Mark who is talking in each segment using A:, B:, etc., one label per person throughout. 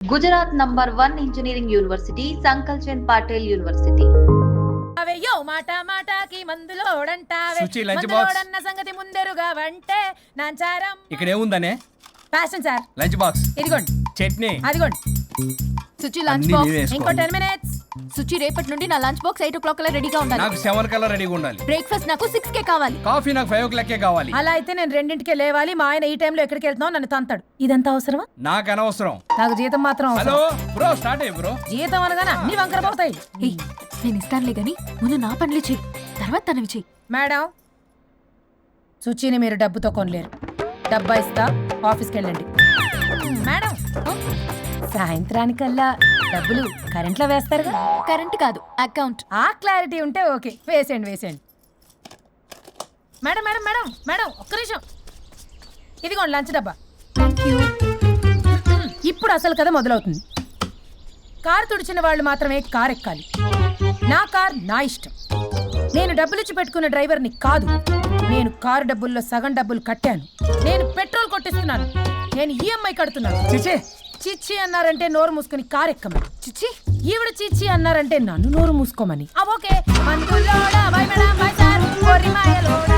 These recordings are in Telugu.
A: Gujarat number 1 engineering university, Sankalchand Patel university.
B: అవయ్యో మాట మాటకి మందులోడంటావే,
C: సుచి, లంచ్ బాక్స్.
B: మందులోడన్న సంగతి ముందరుగా వంటే నాంచారం.
C: ఇక్కడ ఏముందనే?
B: Fashion sir.
C: లంచ్ బాక్స్,
B: ఇదిగోండి.
C: చట్నీ.
B: అదిగోండి.
D: సుచి లంచ్
C: అన్నీ
D: బాక్స్
C: నీవే వేసుకో.
B: ఇంకో 10 minutes.
D: సుచి రేపటి నుండి నా లంచ్ బాక్స్ 8 o'clock కల్లా రెడీగా ఉండాలి.
C: నాకు 7 కల్లా రెడీగా ఉండాలి.
D: బ్రేక్ఫాస్ట్ నాకు 6 కే కావాలి.
C: కాఫీ నాకు 5 o'clock కావాలి.
B: అలా అయితే నేను 2ంటికే లేవాలి. మా ఆయన ఈ టైంలో ఎక్కడికి వెళ్తున్నావు నన్ను తంతాడు. ఇదంతా అవసరమా?
C: నాకు అనవసరం.
B: నాకు జీతం మాత్రం
C: హలో
B: అవసరం.
C: బ్రో, స్టార్ట్ అయ్యి బ్రో.
B: జీతం అనగానే అన్ని వంకర పోతాయి.
D: ఏయ్, నేను ఇస్తానులే గాని ముందు నా పనులు చెయ్యి, తర్వాత తనవి చెయ్యి.
B: మేడం, సుచిని మీరు డబ్బుతో కొనలేరు. డబ్బా ఇస్తా, ఆఫీస్కి వెళ్ళండి. మేడం, సాయంత్రానికల్లా డబ్బులు కరెంట్లో వేస్తారుగా?
D: కరెంట్ కాదు, అకౌంట్.
B: ఆ క్లారిటీ ఉంటే ఓకే. వేసేయండి వేసేయండి. మేడం మేడం మేడం మేడం, ఒక్క నిమిషం. ఇదిగోండి లంచ్ డబ్బా.
D: Thank you.
B: ఇప్పుడు అసలు కథ మొదలవుతుంది. కారు తుడిచిన వాళ్ళు మాత్రమే కారు ఎక్కాలి. నా కార్ నా ఇష్టం. నేను డబ్బులిచ్చి పెట్టుకున్న డ్రైవర్ని కాదు. నేను కారు డబ్బుల్లో సగం డబ్బులు కట్టాను. నేను పెట్రోల్ కొట్టిస్తున్నాను. నేను ఈఎంఐ కడుతున్నాను.
C: చిచి,
B: చిచ్చి అన్నారంటే నోరు మూసుకుని కారు ఎక్కమని.
D: చిచ్చి,
B: ఈవిడ చిచ్చి అన్నారంటే నన్ను నోరు మూసుకోమని. ఓకే. మందులోడా, బై మేడం, బై సార్, కొరిమాయలోడా.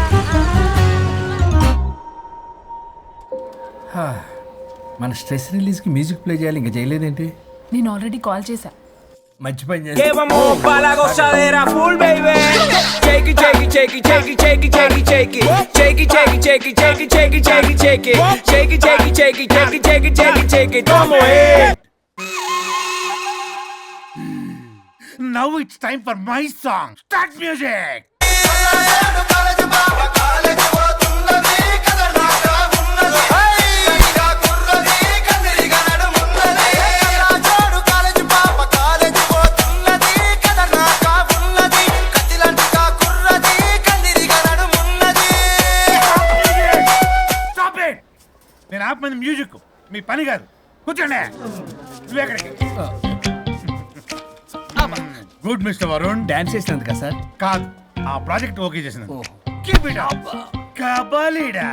C: మన స్ట్రెస్ రిలీజ్ కి మ్యూజిక్ ప్లే చేయాలి, ఇంకా చేయలేదేంటి?
D: నేను ఆల్రెడీ కాల్ చేశా.
C: మంచి పని
E: Que vamos pa' la gozadera full, baby. Shake it, shake it, shake it, shake it, shake it, shake it, shake it. Shake it, shake it, shake it, shake it, shake it, shake it, shake it. Shake it, shake it, shake it, shake it, shake it, shake it, shake it. Come on.
F: Now it's time for my song. Start music. Stop it. నేను ఆపమంది మ్యూజిక్, మీ పని కాదు. కూర్చోండి. నువ్వెక్కడికి? Good mister Varun.
C: డాన్స్ చేసినందుకా సార్?
F: కాదు, ఆ ప్రాజెక్ట్ ఓకే చేసిన. Keep it up. కబాలీడా.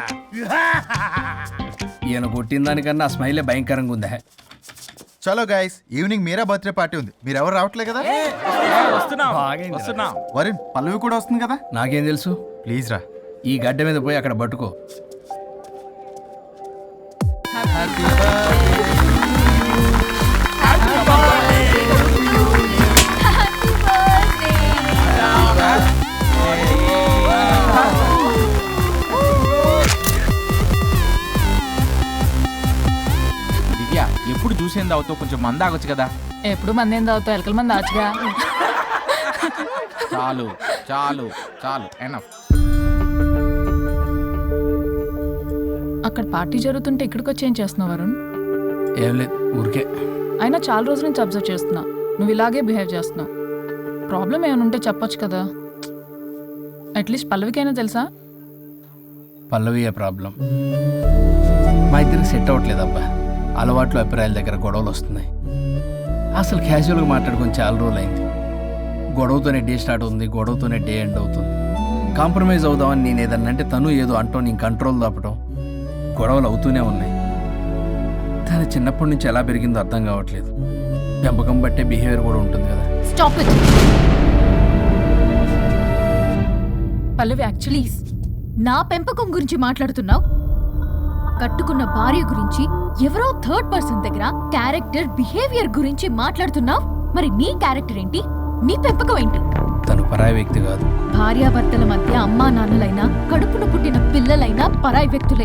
C: ఈయన కొట్టిన దానికన్నా ఆ స్మైలే భయంకరంగా ఉందా?
G: చలో guys, evening Meera birthday party ఉంది. మీరు ఎవరు రావట్లేదు కదా?
C: బాగైంది.
G: వరుణ్, పల్లవి కూడా వస్తుంది కదా?
C: నాకేం తెలుసు?
G: ప్లీజ్ రా.
C: ఈ గడ్డ మీద పోయి అక్కడ పట్టుకో.
H: దివ్య, ఎప్పుడు చూసేంది అవుతావు, కొంచెం మంద ఆగొచ్చు కదా.
D: ఎప్పుడు మంది ఏం తాగుతావు? ఎలకల మంది ఆచుగా.
H: చాలు చాలు చాలు, ఎనఫ్.
D: అక్కడ పార్టీ జరుగుతుంటే ఇక్కడికి వచ్చి ఏం చేస్తున్నావు వరుణ్?
C: ఏం లేదు, ఊరికే.
D: అయినా చాలా రోజుల నుంచి అబ్జర్వ్ చేస్తున్నా, నువ్వు ఇలాగే బిహేవ్ చేస్తున్నావు. ప్రాబ్లం ఏమైనా ఉంటే చెప్పొచ్చు కదా. అట్లీస్ట్ పల్లవికైనా తెలుసా?
C: పల్లవియే ప్రాబ్లం. మా ఇద్దరికి సెట్ అవ్వట్లేదు అబ్బా. అలవాట్లు, అభిప్రాయాల దగ్గర గొడవలు వస్తున్నాయి. అసలు క్యాజువల్గా మాట్లాడుకొని చాలా రోజులు అయింది. గొడవతోనే డే స్టార్ట్ అవుతుంది, గొడవతోనే డే ఎండ్ అవుతుంది. కాంప్రమైజ్ అవుదామని నేను ఏదన్నా అంటే తను ఏదో అంటూ నేను కంట్రోల్ తప్పడం, గొడవలు అవుతూనే ఉన్నాయి. తను చిన్నప్పటి నుంచి ఎలా పెరిగిందో అర్థం కావట్లేదు. పెంపకం బట్టే బిహేవియర్ కూడా ఉంటుంది కదా.
D: Stop it. పల్లవి, యాక్చువల్లీ నా పెంపకం గురించి మాట్లాడుతున్నావు. కట్టుకున్న భార్య గురించి, ఎవరో థర్డ్ పర్సన్ దగ్గర క్యారెక్టర్, బిహేవియర్ గురించి మాట్లాడుతున్నావు. మరి నీ క్యారెక్టర్ ఏంటి? నీ పెంపకం ఏంటి?
C: తను పరాయి వ్యక్తి కాదు.
D: భార్యాభర్తల మధ్య అమ్మా నాన్నలైనా, కడుపున పుట్టిన పిల్లలైనా పరాయి వ్యక్తులే.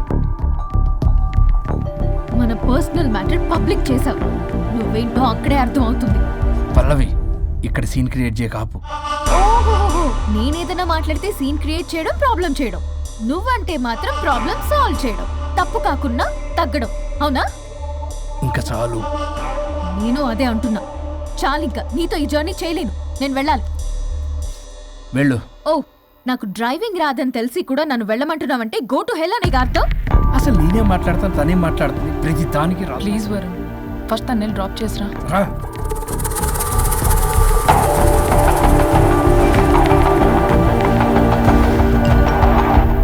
D: మన పర్సనల్ మ్యాటర్ పబ్లిక్ చేసావు. నువ్వేంటో అక్కడే అర్థం అవుతుంది.
C: పల్లవి, ఇక్కడ సీన్ క్రియేట్ చేయ కాపు.
D: ఓహో, నేనేదైనా మాట్లాడితే సీన్ క్రియేట్ చేయడం, ప్రాబ్లం చేయడం. నువ్వంటే మాత్రం ప్రాబ్లం సాల్వ్ చేయడం, తప్పు కాకుండా తగ్గడం. అవునా?
C: ఇంకా చాలు.
D: నేను అదే అంటున్నా. చాలింకా, నీతో ఈ జర్నీ చేయలేను. నేను వెళ్ళాలి.
C: వెళ్ళు.
D: ఓ, నాకు డ్రైవింగ్ రాదని తెలిసి కూడా నన్ను వెళ్ళమంటున్నావంటే గో టు హెల్ అనే అర్థం.
C: అసలు నేనే మాట్లాడతాను, తనే మాట్లాడుతుంది. ప్రతి దానికి రా.
D: ప్లీజ్ వరుణ్, ఫస్ట్ తను డ్రాప్ చేసిరా.
C: రా.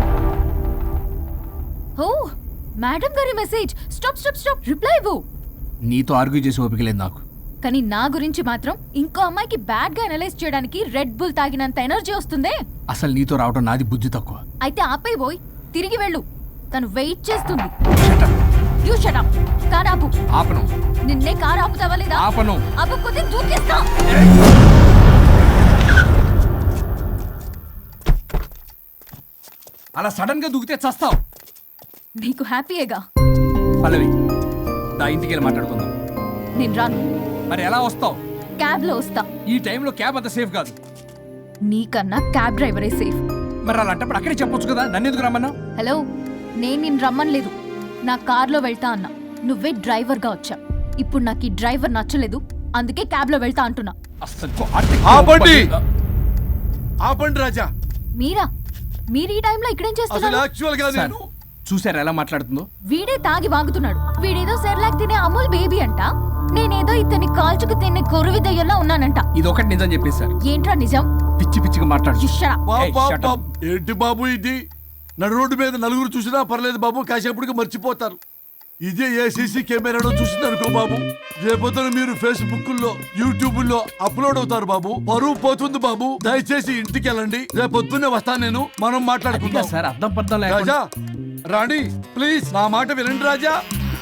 D: ఓ, మేడం గారి message. Stop stop stop, reply ఇవ్వు.
C: నీతో ఆర్గ్యూ చేసి ఓపిక లేదు నాకు.
D: కానీ నా గురించి మాత్రం ఇంకో అమ్మాయికి బ్యాడ్ గా అనలైజ్ చేయడానికి రెడ్ బుల్ తాగినంత ఎనర్జీ వస్తుందే.
C: అసలు నీతో రావటం నాది బుద్ధి తక్కువ.
D: అయితే ఆపై పోయి తిరిగి వెళ్ళు, తను వెయిట్ చేస్తుంది.
C: Shut up.
D: You shut up. Car ఆపు.
C: ఆపను.
D: నిన్నే కార్ ఆపుతావా లేదా?
C: ఆపను.
D: ఆపకపోతే దూకేస్తా.
C: అలా సడన్ గా దూకితే చస్తావు.
D: నీకు హ్యాపీయేగా.
C: పల్లవి, నా ఇంటికి వెళ్ళి మాట్లాడుకుందాం.
D: నేను రాను.
C: మరి ఎలా వస్తావు?
D: క్యాబ్ లో వస్తా.
C: ఈ టైంలో క్యాబ్ అంత సేఫ్ కాదు.
D: నీకన్నా క్యాబ్ డ్రైవరే సేఫ్.
C: మరి అలాంటప్పుడు అక్కడే చెప్పొచ్చు కదా, నన్ను ఎందుకు రమ్మన్నావు?
D: హలో, నేను నిన్ను రమ్మనలేదు. నా కార్లో వెళ్తా అన్నా, నువ్వే డ్రైవర్గా వచ్చా. ఇప్పుడు నాకు ఈ డ్రైవర్ నచ్చలేదు, అందుకే క్యాబ్లో వెళ్తా అంటున్నా.
I: ఆపండి ఆపండి రాజా.
D: మీరా? మీరు ఈ టైంలో ఇక్కడేం
I: అసలు
D: చేస్తున్నారు?
I: యాక్చువల్ గా నేను
C: చూసారా ఎలా మాట్లాడుతుందో?
D: వీడే తాగి వాగుతున్నాడు. వీడేదో సెర్లాక్ తినే అమూల్ బేబీ అంట, నేనేదో ఇతన్ని కాల్చుకు తినే కొరువి దయ్యంలో ఉన్నానంట.
C: ఇది ఒకటి నిజం చెప్పేశారు.
D: ఏంట్రా నిజం?
C: పిచ్చి పిచ్చిగా మాట్లాడు.
D: You shut up.
I: ఏంటి బాబు ఇది? నడు రోడ్డు మీద నలుగురు చూసినా పర్లేదు బాబు, కాసేపటికి మర్చిపోతారు. ఇదే ఏ సీసీ కెమెరాలో చూసింది అనుకో బాబు, రేపొద్దున మీరు ఫేస్బుక్ లో యూట్యూబ్ లో అప్లోడ్ అవుతారు బాబు, పరువు పోతుంది బాబు. దయచేసి ఇంటికి వెళ్ళండి, రేపొద్దునే వస్తాను నేను, మనం మాట్లాడుకుందాం.
C: సార్ అర్థం పర్థం
I: రాజా
C: లేకుండా
I: రాణి ప్లీజ్ నా మాట వినండి రాజా.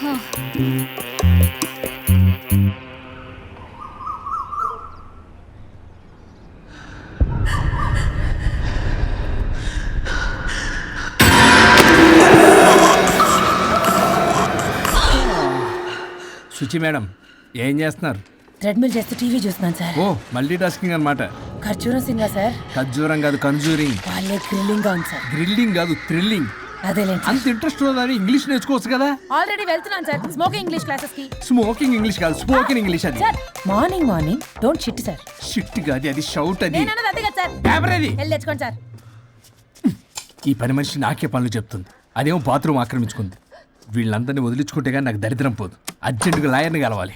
C: శుచి మేడం, ఏం చేస్తున్నారు?
B: ట్రెడ్మిల్ చేస్తూ టీవీ చూస్తున్నాను సార్.
C: ఓ, మల్టీ టాస్కింగ్ అనమాట.
B: ఖర్జూరం సినిమా సార్.
C: ఖర్జూరం కాదు, కన్జూరింగ్.
B: వాళ్ళే థ్రిల్లింగ్ గా ఉంది సార్.
C: గ్రిల్లింగ్ కాదు, థ్రిల్లింగ్.
B: అదేలేండి.
C: అంత ఇంట్రెస్ట్ ఉన్నదని ఇంగ్లీష్ నేర్చుకోవచ్చు కదా.
B: ఆల్రెడీ వెళ్తున్నాను సార్ స్మోకింగ్ ఇంగ్లీష్ క్లాసెస్ కి.
C: స్మోకింగ్ ఇంగ్లీష్ కాదు, స్పోకెన్ ఇంగ్లీష్. అది
B: sir morning don't shit sir.
C: Shit కాదు, అది షౌట్. అది
B: నేనన్నది అదే కదా సార్.
C: పేపర్ అది.
B: వెళ్ళి తెచ్చుకోండి సార్.
C: ఈ పని మనిషి నాకే పనులు చెప్తుంది, అదేమో బాత్రూమ్ ఆక్రమించుకుంది. వీళ్ళందరినీ వదిలించుకుంటే కానీ నాకు దరిద్రం పోదు. అర్జెంటుగా లాయర్ని కలవాలి.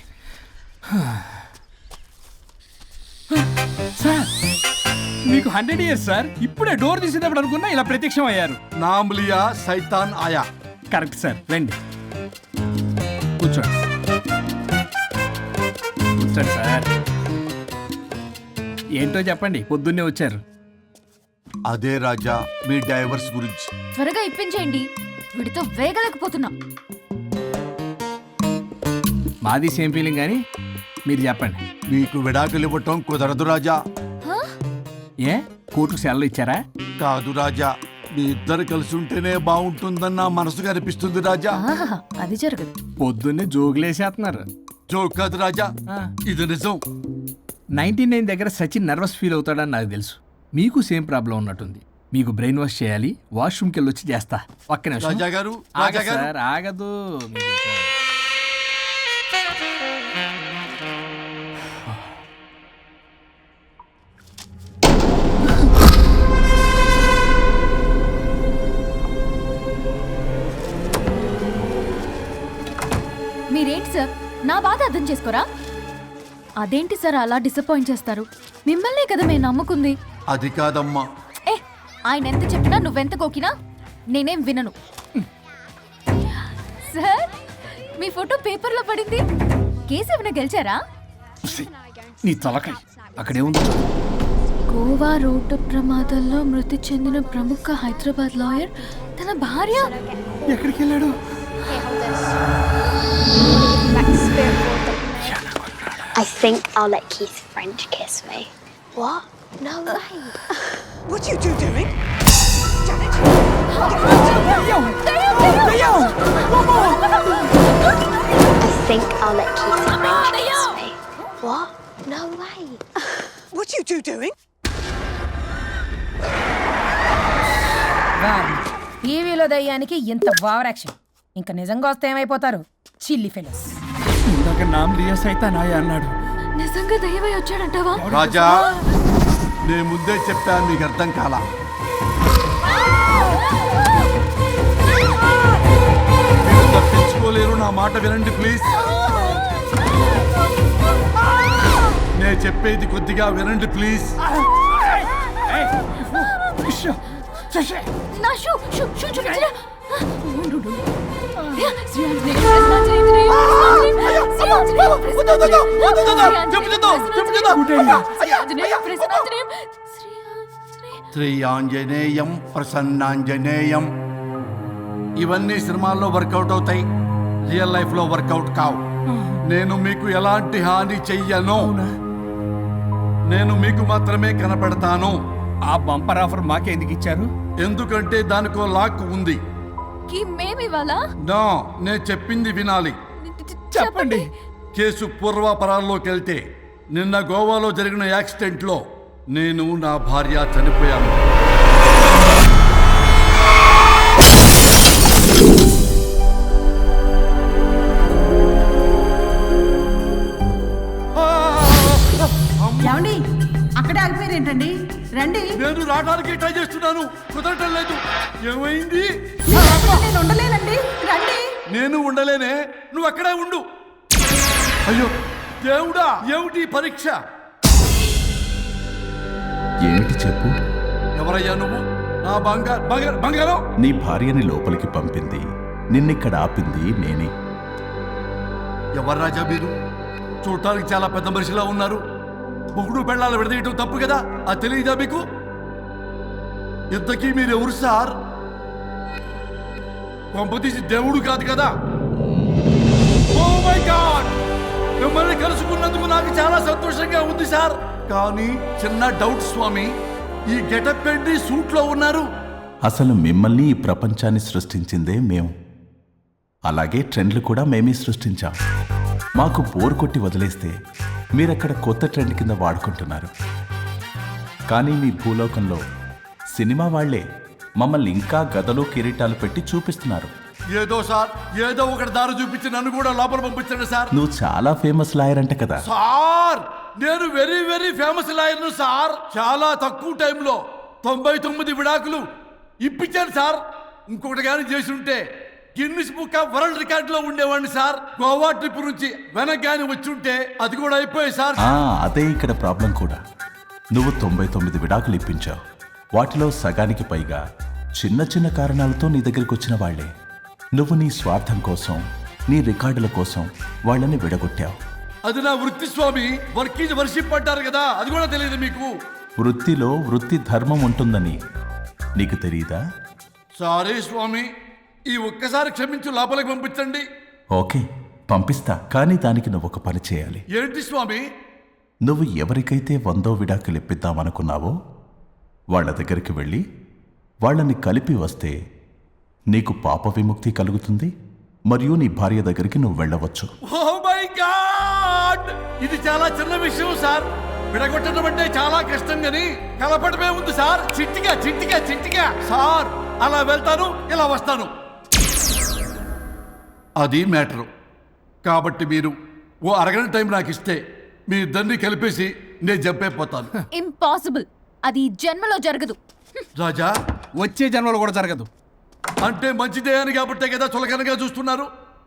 C: సార్ మీకు 100 years సార్. ఇప్పుడే డోర్ తీసేటప్పుడు అనుకున్నా ఇలా ప్రత్యక్షం అయ్యారు.
I: నామ్ లియా సైతాన్ ఆయా.
C: కరెక్ట్ సార్, రండి కూర్చోండి. కూర్చోండి సార్. ఏంటో చెప్పండి, పొద్దున్నే వచ్చారు.
I: అదే రాజా మీ డైవర్స్ గురించి.
D: త్వరగా ఇప్పించేయండి, వీడితో వేగలేకపోతున్నా.
C: మాది సేమ్ ఫీలింగ్ కానీ మీరు చెప్పండి.
I: మీకు విడాకులు ఇవ్వటం కుదరదు రాజా.
C: ఏ కోర్టుకు సెలవు ఇచ్చారా?
I: కాదు రాజా, మీ ఇద్దరు కలిసి ఉంటేనే బాగుంటుందని నా మనసుకు అనిపిస్తుంది రాజా.
D: ఆహాహా, అది జరగదు.
C: పొద్దున్నే జోగులేసేస్తున్నారు.
I: జోక్ కాదు రాజా,
C: ఆ.
I: ఇది నిజం.
C: 99 దగ్గర సచిన్ నర్వస్ ఫీల్ అవుతాడని నాకు తెలుసు. మీకు సేమ్ ప్రాబ్లం ఉన్నట్టుంది. మీకు బ్రెయిన్ వాష్ చేయాలి, వాష్రూమ్కి వెళ్ళి వచ్చి చేస్తా. ఒక్క నిమిషం.
I: రాజా గారు
C: ఆగదు
I: రాజా గారు
C: సార్, ఆగదు.
D: మీరేంటి సార్ నా బాధ అర్థం చేసుకోరా? అదేంటి సార్ అలా డిసప్పాయింట్ చేస్తారు? మిమ్మల్నే కదా మేము నమ్ముకుంది.
I: అది కాదమ్మా.
D: ఏ, ఆయన ఎంత చెప్పినా నువ్వెంత కోకినా నేనేం వినను. సార్ మీ ఫోటో పేపర్లో పడింది, కేసు ఏమైనా గెలిచారా?
C: నీ తలకాయ అక్కడేముంది?
D: గోవా రోడ్డు ప్రమాదంలో మృతి చెందిన ప్రముఖ హైదరాబాద్ లాయర్ తన భార్య
C: ఎక్కడికి వెళ్ళాడు?
J: I think I'll let Keith's friend kiss me. What? No way.
E: What you two doing?
J: I think I'll let Keith's friend kiss me. What? No way.
E: What you two doing?
B: టీవీలో దయ్యానికి ఇంత ఓవర్ యాక్షన్. ఇంకా నిజంగా వస్తే ఏమైపోతారు? చిల్లి ఫెలోస్.
C: ఇందాక నామ్ లియా సైతాన్ ఆయా అన్నాడు.
D: నిజంగా దయ్యమై వచ్చాడంటావా?
I: రాజా నేను ముందే చెప్పాను, మీకు అర్థం కాలా. మీరు తప్పించుకోలేరు, నా మాట వినండి ప్లీజ్. నేను చెప్పేది కొద్దిగా వినండి ప్లీజ్.
D: నా షూ షూ షూ చూపించరా?
I: శ్రీ ఆంజనేయం ప్రసన్నాంజనేయం. ఇవన్నీ సినిమాల్లో వర్కౌట్ అవుతాయి, రియల్ లైఫ్ లో వర్కౌట్ కావు. నేను మీకు ఎలాంటి హాని చెయ్యను. నేను మీకు మాత్రమే కనపడతాను.
C: ఆ బంపర్ ఆఫర్ మాకే ఎందుకు ఇచ్చారు?
I: ఎందుకంటే దానికో లాక్ ఉంది.
D: మేమివాలా
I: నో, నేను చెప్పింది వినాలి.
C: చెప్పండి.
I: కేసు పూర్వాపరాల్లోకి వెళ్తే నిన్న గోవాలో జరిగిన యాక్సిడెంట్లో నేను నా భార్య చనిపోయాను.
B: ఏమండి అక్కడే ఆగిపోయారు ఏంటండి? రండి.
I: నేను రావడానికి ట్రై చేస్తున్నాను, కుదరటం లేదు. ఏమైంది?
B: నేను ఉండలేనండి, రండి.
I: నేను ఉండలేనే, నువ్వు అక్కడే ఉండు. అయ్యో దేవుడా, ఏమిటి ఈ పరీక్ష?
K: ఏమిటి చెప్పు.
I: ఎవరయ్యా నువ్వు? నా బంగారం.
K: నీ భార్యని లోపలికి పంపింది, నిన్నిక్కడ ఆపింది నేనే.
I: ఎవరు రాజా మీరు? చూడటానికి చాలా పెద్ద మనిషిలా ఉన్నారు. మొగుడు పెళ్ళాలు విడదీయటం తప్పు కదా, అది తెలియదా మీకు? ఇంతకీ మీరు ఎవరు సార్? పంపతీసి దేవుడు కాదు కదా? ఓ మై గాడ్, మిమ్మల్ని కలుసుకున్నందుకు నాకు చాలా సంతోషంగా ఉంది సార్. కానీ చిన్న డౌట్ స్వామి, ఈ గెటప్ ఏంటి సూట్ లో ఉన్నారు?
K: అసలు మిమ్మల్ని ఈ ప్రపంచాన్ని సృష్టించిందే మేము. అలాగే ట్రెండ్లు కూడా మేమే సృష్టించాం. మాకు బోర్ కొట్టి వదిలేస్తే మీరక్కడ కొత్త ట్రెండ్ కింద వాడుకుంటున్నారు. కానీ మీ భూలోకంలో సినిమా వాళ్లే మమ్మల్ని ఇంకా గదలు కిరీటాలు పెట్టి చూపిస్తున్నారు.
I: ఏదో సార్, ఏదో ఒకటి దారి చూపించి నన్ను కూడా లోపల పంపించండి సార్.
K: నువ్వు చాలా ఫేమస్ లాయర్ అంట కదా
I: సార్? నేను వెరీ వెరీ ఫేమస్ లాయర్ను సార్. చాలా తక్కువ టైంలో 99 విడాకులు ఇప్పించాను సార్. ఇంకొకటి కానీ చేసి ఉంటే గిన్నిస్ బుక్ ఆఫ్ వరల్డ్ రికార్డులో ఉండేవాడిని సార్. గోవా ట్రిప్ నుంచి వెనక్ కానీ వచ్చి ఉంటే అది కూడా అయిపోయాయి సార్.
K: అదే ఇక్కడ ప్రాబ్లం కూడా. నువ్వు 99 విడాకులు ఇప్పించావు. వాటిలో సగానికి పైగా చిన్న చిన్న కారణాలతో నీ దగ్గరికి వచ్చిన వాళ్లే. నువ్వు నీ స్వార్థం కోసం, నీ రికార్డుల కోసం వాళ్ళని విడగొట్టావు.
I: అది నా వృత్తి స్వామి. వర్క్ ఈజ్ వర్షిప్ అంటారు కదా, అది కూడా తెలియదు మీకు?
K: వృత్తిలో వృత్తి ధర్మం ఉంటుందని నీకు తెలియదా?
I: సారీ స్వామి, ఈ ఒక్కసారి క్షమించు, లోపలికి పంపించండి.
K: ఓకే, పంపిస్తా. కానీ దానికి నువ్వు ఒక పని చేయాలి.
I: ఏంటి స్వామి?
K: నువ్వు ఎవరికైతే 100వ విడాకులు ఇప్పిద్దామనుకున్నావో వాళ్ళ దగ్గరికి వెళ్ళి వాళ్ళని కలిపి వస్తే నీకు పాప విముక్తి కలుగుతుంది, మరియు నీ భార్య దగ్గరికి నువ్వు వెళ్ళవచ్చు.
I: ఓ మై గాడ్, ఇది చాలా చిన్న విషయం సార్. విడగొట్టడం అంటే చాలా కష్టం గని కలపడమే ఉంది సార్. చిట్టిగా చిట్టిగా చిట్టిగా సార్. అలా వెళ్తాను, ఇలా వస్తాను, అది మ్యాటరు. కాబట్టి మీరు ఓ అరగంట టైం నాకు ఇస్తే మీ ఇద్దరిని కలిపేసి నేను జంపైపోతాను.
D: ఇంపాసిబుల్, అది జన్మలో జరగదు.
I: రాజా,
C: వచ్చే జన్మలో కూడా జరగదు.
I: అంటే మంచిదే అని కాబట్టే కదా చులకనగా చూస్తున్నారు.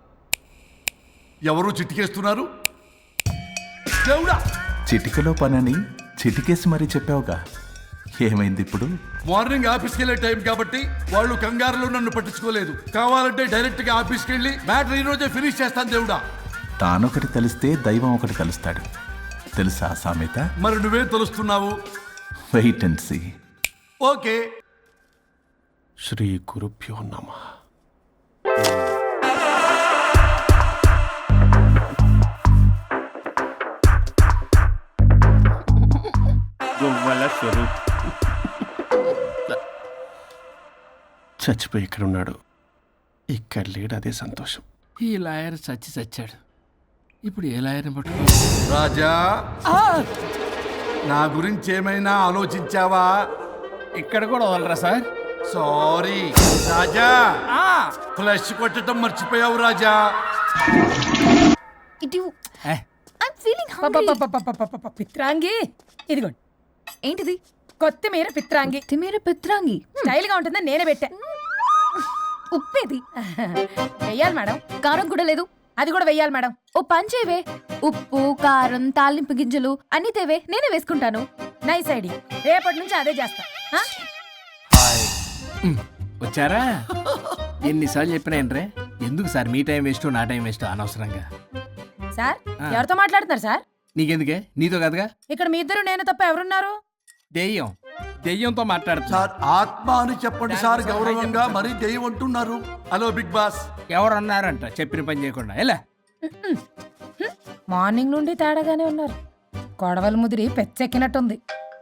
I: ఎవరు చిట్టికేస్తున్నారు? దేవుడా,
K: చిటికలో పనని చిటికేసి మరీ చెప్పావుగా, ఏమైంది ఇప్పుడు?
I: మార్నింగ్ ఆఫీస్కి వెళ్ళే టైం కాబట్టి వాళ్ళు కంగారులో నన్ను పట్టించుకోలేదు. కావాలంటే డైరెక్ట్ గా ఆఫీస్కి వెళ్ళి మ్యాటర్ ఈ రోజే ఫినిష్ చేస్తాను. దేవుడా,
K: తానొకటి తెలిస్తే దైవం ఒకటి కలుస్తాడు, తెలుసా సామెత?
I: మరి నువ్వేం తెలుస్తున్నావు?
K: Wait and see.
I: ఓకే.
C: శ్రీ గురుభ్యో నమః. చచ్చిపోయి ఇక్కడ ఉన్నాడు, ఇక్కడ లేడు, అదే సంతోషం. ఈ లాయర్ చచ్చాడు. ఇప్పుడు ఏ లాయర్ని పట్టుకో?
I: రాజా, నా గురించి ఏమైనా ఆలోచించావా?
C: ఇక్కడ కూడా వదలరా సార్?
I: సారీ రాజా, ఫ్లష్ కొట్టడం మర్చిపోయావు రాజా.
B: పిత్రాంగి, ఇదిగోండి.
D: ఏంటిది?
B: కొత్తిమీర పిత్రాంగి.
D: పిత్రాంగి
B: స్టైల్ గా ఉంటుందని నేనే పెట్టా.
D: ఉప్పేది
B: వెయ్యాలి మేడం.
D: కారం కూడా లేదు,
B: అది కూడా వెయ్యాలి మేడం.
D: ఓ పంచేవే, ఉప్పు కారం తాలింపు గింజలు అన్ని తేవే, నేనే వేసుకుంటాను.
B: నైస్ ఐడియా, రేపటి నుంచి అదే చేస్తా.
C: వచ్చారా? ఎన్నిసార్లు చెప్పినా ఏంట్రే, ఎందుకు సార్ మీ టైం వేస్ట్ నా టైం వేస్ట్ అనవసరంగా.
B: సార్
C: ఆ.
B: ఎవరితో మాట్లాడుతున్నారు సార్?
C: నీకెందుకే, నీతో కదగా.
B: ఇక్కడ మీ ఇద్దరు నేను తప్ప ఎవరున్నారు?
C: దెయ్యంతో మాట్లాడుతున్నా.
I: సార్ ఆత్మ అని చెప్పండి సార్, గౌరవంగా మరీ దెయ్యం అంటున్నారు. Hello big boss.
C: ఎవరన్నారంట చెప్పిన పని చేయకుండా? ఎలా
B: మార్నింగ్ నుండి తేడాగానే ఉన్నారు. గొడవల ముదిరి పెచ్చెక్కినట్టుంది.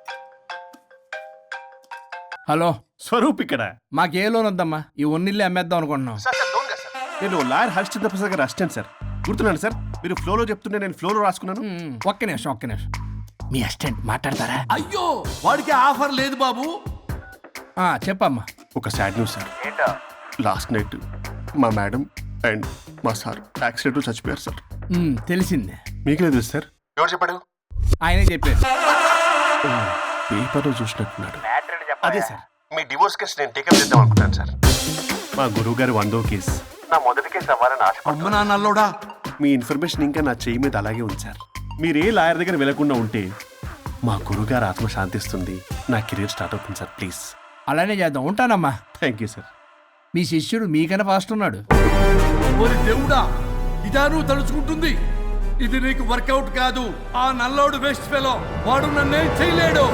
C: హలో,
F: స్వరూప్ ఇక్కడ.
C: మాకే లోన్ వద్దమ్మా, ఈ ఒన్నిల్లు అమ్మేద్దాం అనుకుంటున్నాం.
F: నేను లాయర్ హరిశ్చంద్ర ప్రసాద్ గారు అసిస్టెంట్ సార్. గుర్తున్నాను సార్, మీరు ఫ్లోలో చెప్తుంటే నేను ఫ్లోలో రాసుకున్నాను.
C: ఒక్క నిమిషం. మీ అసిస్టెంట్ మాట్లాడతారా?
I: అయ్యో వాడికి ఆఫర్ లేదు బాబు.
C: చెప్పమ్మా.
F: ఒక sad news sir. Last night మా మేడం అండ్ మా సార్ యాక్సిడెంట్ చచ్చిపోయారు సార్.
C: తెలిసిందే.
F: మీకు లేదు సార్. ఎవరు చెప్పాడు?
C: ఆయనే చెప్పారు.
F: పేపర్లో చూసినట్టున్నాడు. అదే సార్, మీ డివోర్స్ కేసు నేను టేకప్ చేద్దాం అనుకుంటాను సార్. మా గురువు గారు 100వ కేసు నా మొదటి కేసు అవ్వాలని ఆశ.
I: అమ్మ నాన్నల్లోడా,
F: మీ ఇన్ఫర్మేషన్ ఇంకా నా చెయ్యి మీద అలాగే ఉంది సార్. మీరు ఏ లాయర్ దగ్గర వెళ్లకుండా ఉంటే మా గురువుగారు ఆత్మ శాంతిస్తుంది, నా కెరీర్ స్టార్ట్ అవుతుంది సార్. ప్లీజ్
C: అలానే చేద్దాం. ఉంటానమ్మా.
F: Thank you sir.
C: మీ శిష్యుడు మీకన్నా ఫాస్ట్ ఉన్నాడు.
I: ఓరి దేవుడా, ఇదా నువ్వు తలుచుకుంటుంది? ఇది నీకు వర్కౌట్ కాదు. ఆ నల్లోడు వేస్ట్ ఫెలో, వాడు నన్నేం చేయలేడు.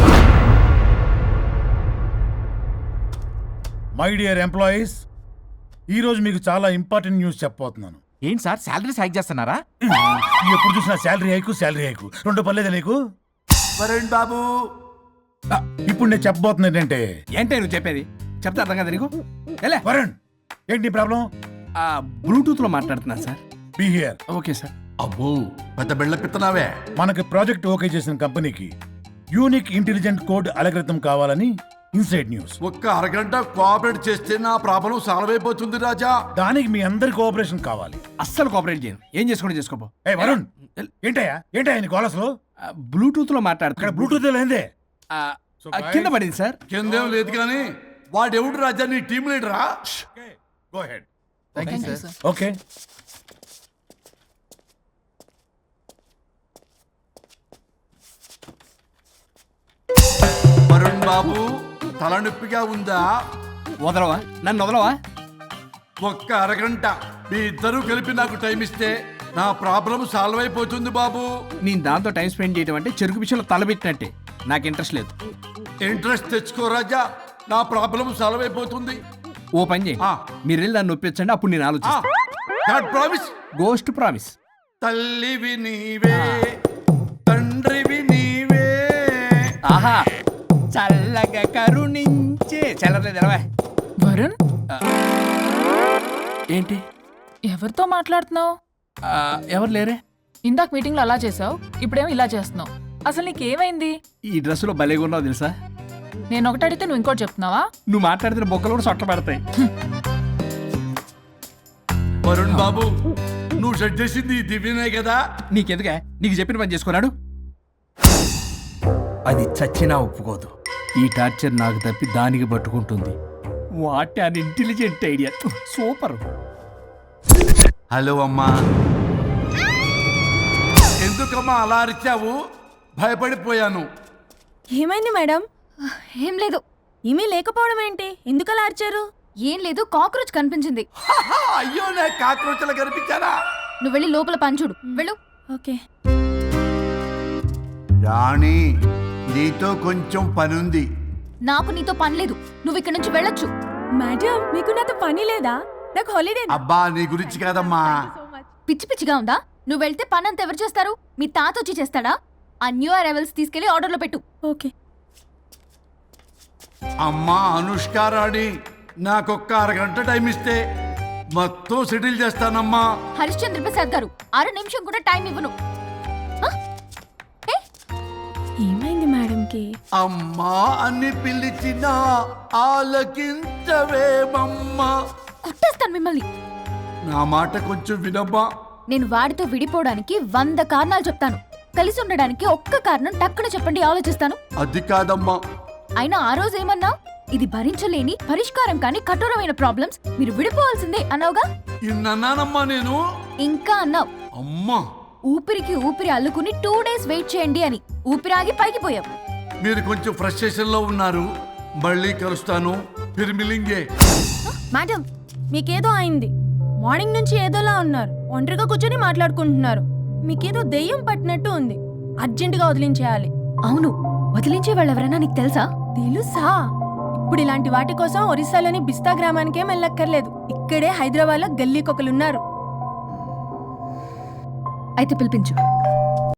F: మై డియర్ ఎంప్లాయీస్, ఈ రోజు మీకు చాలా ఇంపార్టెంట్ న్యూస్ చెప్పబోతున్నాను.
H: ఏంటి సార్ శాలరీస్ హైక్ చేస్తున్నారా?
F: ఎప్పుడు చూసినా శాలరీ హైకు రెండు పర్లేదు నీకు.
I: వరుణ్ బాబు,
F: ఇప్పుడు నేను చెప్పబోతున్నా ఏంటంటే,
C: ఏంటే నువ్వు చెప్పేది? చెప్తా అర్థం కదా నీకు? ఎలా
F: వరుణ్, ఏంటి ప్రాబ్లం?
C: బ్లూటూత్ లో మాట్లాడుతున్నా sir.
F: Be here.
C: Okay sir.
I: అబ్బో పెద్ద బిళ్ళ పిత్తనావే.
F: మనకి ప్రాజెక్ట్ ఓకే చేసిన కంపెనీకి యూనిక్ ఇంటెలిజెంట్ కోడ్ అలకృతం కావాలని ఇన్సైడ్ న్యూస్.
I: ఒక్క అరగంట కోఆపరేట్ చేస్తే నా ప్రాబ్లం సాల్వ్ అయిపోతుంది రాజా.
F: దానికి మీ అందరి కోఆపరేషన్ కావాలి.
C: అస్సలు కోఆపరేట్ చేయను. ఏం చేసుకోండి చేసుకోపో.
F: ఏ వరుణ్, ఏంటయ్యా నీ కాలర్స్లో?
C: బ్లూటూత్ లో మాట్లాడుతున్నా.
F: ఇక్కడ బ్లూటూత్ లేదే.
C: కింద పడింది సార్.
I: కిందేం లేదు కానీ వాడెవడు రాజా, నీ టీం లీడరా?
F: Go ahead.
C: Sir.
F: Okay.
I: Varun బాబు, తలనొప్పిగా ఉందా?
C: వదలవా, నన్ను వదలవా.
I: ఒక్క అరగంట మీ ఇద్దరూ కలిపి నాకు టైం ఇస్తే నా ప్రాబ్లం సాల్వ్ అయిపోతుంది బాబు.
C: నేను దాంతో టైం స్పెండ్ చేయడం అంటే చెరుకు విషయంలో తలబెట్టినట్టే. నాకు ఇంట్రెస్ట్ లేదు.
I: ఇంట్రెస్ట్ తెచ్చుకో రాజా, నా ప్రాబ్లం సాల్వ్ అయిపోతుంది.
C: ఓ పని చేయండి, మీరు వెళ్ళి నన్ను ఒప్పించండి, అప్పుడు నేను ఆలోచిస్తాను.
I: ప్రామిస్.
C: Ghost promise.
I: తల్లివి నీవే, తండ్రివి నీవే.
C: ఆహా, చల్లగా కరుణించే. చల్లలేదు ఎలవా.
B: వరుణ్,
C: ఏంటి
B: ఎవరితో మాట్లాడుతున్నావు?
C: ఎవరు లేరే?
B: ఇందాక మీటింగ్ లో అలా చేసావు, ఇప్పుడేమో ఇలా చేస్తున్నావు. అసలు నీకేమైంది?
C: ఈ డ్రెస్సులో భలేగా ఉన్నావు తెలుసా.
B: నేను ఒకటి అడిగితే నువ్వు ఇంకోటి చెప్తున్నావా?
C: నువ్వు మాట్లాడితే బొక్కలు కూడా సొట్ట పడతాయి.
I: వరుణ్ బాబు, నువ్వు సెట్ చేసింది ఈ దివ్యనే కదా?
C: నీకెందుకే, నీకు చెప్పిన పని చేసుకున్నాడు. అది చచ్చినా ఒప్పుకోదు. ఈ టార్చర్ నాకు తప్పి దానికి పట్టుకుంటుంది. What an intelligent idea. Super.
I: Hello అమ్మా. ఎందుకమ్మా అలా అరిచావు? భయపడిపోయాను.
B: ఏమైంది మేడం?
D: ఏం లేదు.
B: ఏమీ లేకపోవడం ఏంటి? ఎందుకు అలా అరిచారు?
D: ఏం లేదు, కాక్రోచ్ కనిపించింది.
I: అయ్యో, నా కాక్రోచ్లు కనిపించారా?
D: నువ్వు వెళ్ళి లోపల పని చూడు. వెళ్ళు.
B: ఓకే.
I: రాణి, నీతో కొంచెం పనుంది.
D: నాకు నీతో పని లేదు, నువ్వు ఇక్కడ నుంచి వెళ్ళొచ్చు.
B: మేడం, మీకు నాతో పని లేదా? నాకు హాలిడే.
I: అబ్బా, నీ గురించి కాదమ్మా.
D: పిచ్చి పిచ్చిగా ఉందా? నువ్వు వెళ్తే పని అంతా ఎవరు చేస్తారు? మీ తాత వచ్చి చేస్తాడా? ఆ న్యూ అరైవల్స్ తీసుకెళ్లి ఆర్డర్లో పెట్టు.
B: ఓకే.
I: అమ్మా అనుష్క రాణి, నాకొక్క అరగంట టైం ఇస్తే మొత్తం సెటిల్ చేస్తానమ్మా.
D: హరిశ్చంద్ర ప్రసాద్ గారు, 6 నిమిషం కూడా టైం ఇవ్వను.
B: ఏమైంది మేడంకి?
I: అమ్మా అని పిలిచినా ఆలకించవేమమ్మా.
D: కొట్టేస్తాను మిమ్మల్ని.
I: నా మాట కొంచెం వినమ్మా.
D: నేను వాడితో విడిపోవడానికి 100 కారణాలు చెప్తాను. కలిసి ఉండడానికి ఒక్క కారణం టక్కున చెప్పండి, ఆలోచిస్తాను.
I: అది కాదమ్మా.
D: అయినా ఆ రోజు ఏమన్నా? ఇది భరించలేని, పరిష్కారం కాని కఠోరమైన ప్రాబ్లమ్స్, మీరు విడిపోవాల్సిందే అన్నావుగా.
I: ఇన్నానమ్మా నేను.
D: ఇంకా అన్నావు.
I: అమ్మా,
D: ఊపిరికి ఊపిరి అల్లుకుని 2 డేస్ వెయిట్ చేయండి అని. ఊపిరాగి పైకి పోయావు.
I: మీరు కొంచెం ఫ్రస్ట్రేషన్ లో ఉన్నారు. మళ్ళీ కలుస్తాను. ఫిర్ మిలింగే.
D: మేడం,
B: మీకేదో అయింది. మార్నింగ్ నుంచి ఏదోలా ఉన్నారు. ఒంటరిగా కూర్చొని మాట్లాడుకుంటున్నారు. మీకేదో దెయ్యం పట్టినట్టు ఉంది. అర్జెంటుగా వదిలించేయాలి.
D: అవును, వదిలించే వాళ్ళు ఎవరైనా నీకు తెలుసా?
B: తెలుసా? ఇప్పుడు ఇలాంటి వాటి కోసం ఒరిస్సాలోని బిస్తా గ్రామానికేం వెళ్ళక్కర్లేదు. ఇక్కడే హైదరాబాద్లో గల్లీకొకలున్నారు.
D: అయితే పిలిపించు.